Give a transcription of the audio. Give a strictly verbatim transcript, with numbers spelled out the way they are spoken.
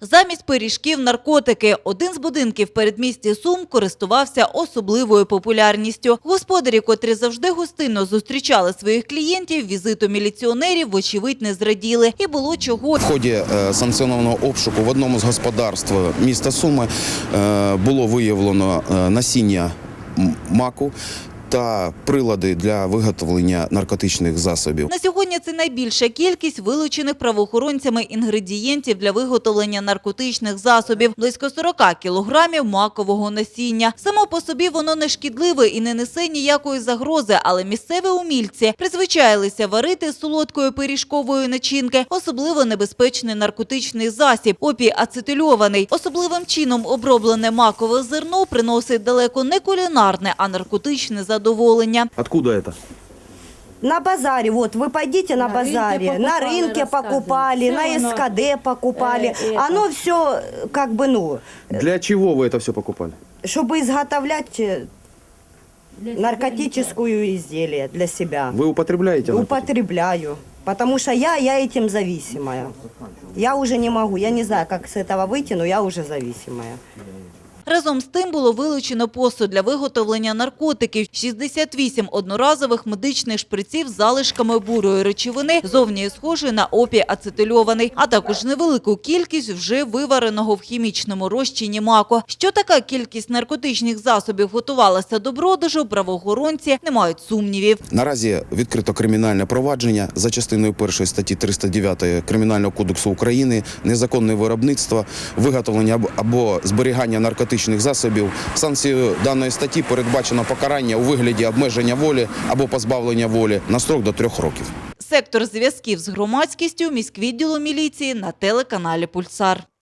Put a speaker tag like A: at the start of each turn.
A: Замість пиріжків – наркотики. Один з будинків передмісті Сум користувався особливою популярністю. Господарі, котрі завжди гостинно зустрічали своїх клієнтів, візиту міліціонерів, вочевидь, не зраділи. І було чого.
B: В ході санкціонованого обшуку в одному з господарств міста Суми було виявлено насіння маку та прилади для виготовлення наркотичних засобів.
A: На сьогодні це найбільша кількість вилучених правоохоронцями інгредієнтів для виготовлення наркотичних засобів – близько сорок кілограмів макового насіння. Само по собі воно не шкідливе і не несе ніякої загрози, але місцеві умільці призвичаїлися варити з солодкої пиріжкової начинки особливо небезпечний наркотичний засіб – опій-ацетильований. Особливим чином оброблене макове зерно приносить далеко не кулінарне, а наркотичне задоволення.
C: Откуда это?
D: На базаре, вот вы пойдите на, на базаре, рынке на рынке покупали, на эс ка дэ покупали. Э, Оно все как бы, ну...
C: Для чего вы это все покупали?
D: Чтобы изготовлять наркотическую изделие для себя.
C: Вы употребляете наркотики?
D: Употребляю, потому что я, я этим зависимая. Я уже не могу, я не знаю, как с этого выйти, но я уже зависимая.
A: Разом з тим було вилучено посуд для виготовлення наркотиків, шістдесят вісім одноразових медичних шприців з залишками бурої речовини, зовні схожої на опій-ацетильований, а також невелику кількість вже вивареного в хімічному розчині маку. Що така кількість наркотичних засобів готувалася до продажу, правоохоронці не мають сумнівів.
B: Наразі відкрито кримінальне провадження за частиною першої статті триста дев'ятої Кримінального кодексу України «Незаконне виробництво, виготовлення або зберігання наркотичних засобів». Санкцією даної статті передбачено покарання у вигляді обмеження волі або позбавлення волі на строк до трьох років.
A: Сектор зв'язків з громадськістю міськвідділу міліції на телеканалі «Пульсар».